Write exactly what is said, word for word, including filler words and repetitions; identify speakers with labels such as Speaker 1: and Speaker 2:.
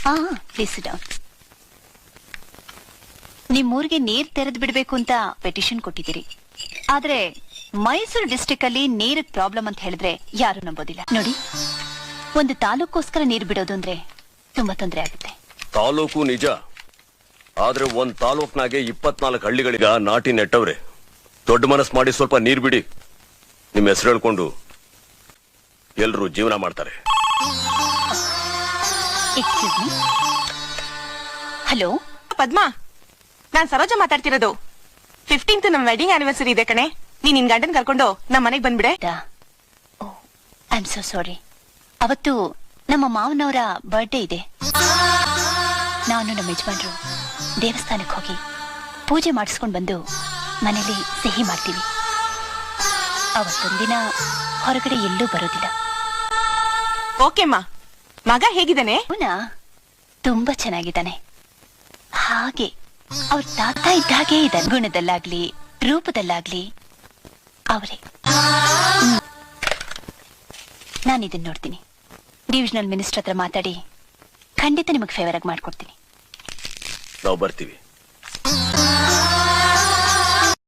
Speaker 1: ಹಾ please down. ನಿಮ್ಮೂರಿಗೆ ನೀರ್ ತೆರೆದು ಬಿಡ್ಬೇಕು ಅಂತ ಪೆಟಿಷನ್ ಕೊಟ್ಟಿದ್ದೀರಿ. ಆದ್ರೆ ಮೈಸೂರು ಡಿಸ್ಟ್ರಿಕ್ಟ್ ಅಲ್ಲಿ ನೀರಿಗ್ ಪ್ರಾಬ್ಲಮ್ ಅಂತ ಹೇಳಿದ್ರೆ ಯಾರು ನಂಬೋದಿಲ್ಲ. ನೋಡಿ, ಒಂದು ತಾಲೂಕೋಸ್ಕರ ನೀರು ಬಿಡೋದು ಅಂದ್ರೆ ತುಂಬಾ ತೊಂದರೆ ಆಗುತ್ತೆ.
Speaker 2: ತಾಲೂಕು ನಿಜ, ಆದ್ರೆ ಒಂದ್ ತಾಲೂಕ್ನಾಗೆ ಇಪ್ಪತ್ನಾಲ್ಕು ಹಳ್ಳಿಗಳಿಗ ನಾಟಿ ನೆಟ್ಟವ್ರೆ. ದೊಡ್ಡ ಮನಸ್ ಮಾಡಿ ಸ್ವಲ್ಪ ನೀರ್ ಬಿಡಿ. ನಿಮ್ ಹೆಸರು ಹೇಳ್ಕೊಂಡು ಎಲ್ರು ಜೀವನ ಮಾಡ್ತಾರೆ.
Speaker 1: Excuse me. ಹಲೋ
Speaker 3: ಪದ್ಮಾ, ನಾನ್ ಸರೋಜ ಮಾತಾಡ್ತಿರೋದು. ಫಿಫ್ಟೀನ್ತ್ ನಮ್ ವೆಡ್ಡಿಂಗ್ ಆನಿವರ್ಸರಿ ಇದೆ ಕಣೆ. ನೀನ್ ನಿನ್ ಗಂಡನ್ ಕರ್ಕೊಂಡು ನಮ್ ಮನೆಗ್ ಬಂದ್ಬಿಡೆ.
Speaker 1: I am so sorry. ಅವತ್ತು ನಮ್ಮ ಮಾವನವರ ಬರ್ಡೇ ಇದೆ. ನಾನು ನಮ್ಮ ಯಜಮಾನ್ರು ದೇವಸ್ಥಾನಕ್ಕೆ ಹೋಗಿ ಪೂಜೆ ಮಾಡಿಸ್ಕೊಂಡು ಬಂದು ಮನೇಲಿ ಸಿಹಿ ಮಾಡ್ತೀವಿ. ಅವತ್ತೊಂದಿನ ಹೊರಗಡೆ ಎಲ್ಲೂ ಬರೋದಿಲ್ಲ.
Speaker 3: ಓಕೆಮ್ಮ. ಮಗ ಹೇಗಿದ್ದಾನೆ?
Speaker 1: ಅವನ ತುಂಬಾ ಚೆನ್ನಾಗಿದ್ದಾನೆ. ಹಾಗೆ ಅವ್ರ ತಾತ ಇದ್ದಾಗೆ ಇದ್ದಾನೆ. ಗುಣದಲ್ಲಾಗ್ಲಿ ರೂಪದಲ್ಲಾಗ್ಲಿ ಅವರೇ. ನಾನಿದನ್ನ ನೋಡ್ತೀನಿ. ಡಿವಿಷನಲ್ ಮಿನಿಸ್ಟರ್ ಹತ್ರ ಮಾತಾಡಿ ಖಂಡಿತ ನಿಮಗೆ ಫೇವರ್ ಆಗಿ ಮಾಡ್ಕೊಡ್ತೀನಿ.
Speaker 2: ನಾವು ಬರ್ತೀವಿ.